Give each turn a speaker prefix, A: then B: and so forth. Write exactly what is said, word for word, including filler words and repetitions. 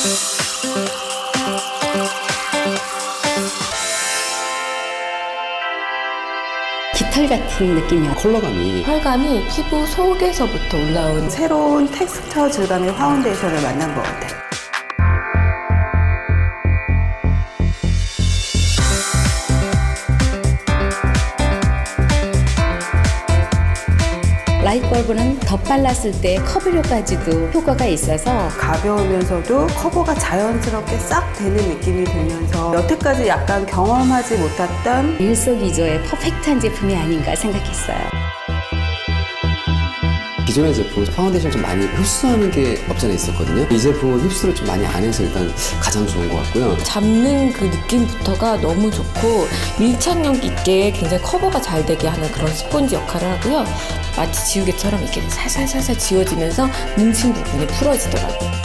A: 깃털 같은 느낌이야.
B: 컬러감이
C: 펄감이 피부 속에서부터 올라온
D: 새로운 텍스처 질감의 파운데이션을 만난 것 같아요.
A: 라이트벌브는 덧발랐을 때 커버력까지도 효과가 있어서
D: 가벼우면서도 커버가 자연스럽게 싹 되는 느낌이 들면서 여태까지 약간 경험하지 못했던
A: 일석이조의 퍼펙트한 제품이 아닌가 생각했어요.
B: 기존의 제품 파운데이션 좀 많이 흡수하는 게 없잖아 있었거든요. 이 제품은 흡수를 좀 많이 안 해서 일단 가장 좋은 것 같고요.
C: 잡는 그 느낌부터가 너무 좋고 밀착력 있게 굉장히 커버가 잘 되게 하는 그런 스펀지 역할을 하고요. 마치 지우개처럼 이렇게 살살살살 지워지면서 뭉친 부분이 풀어지더라고요.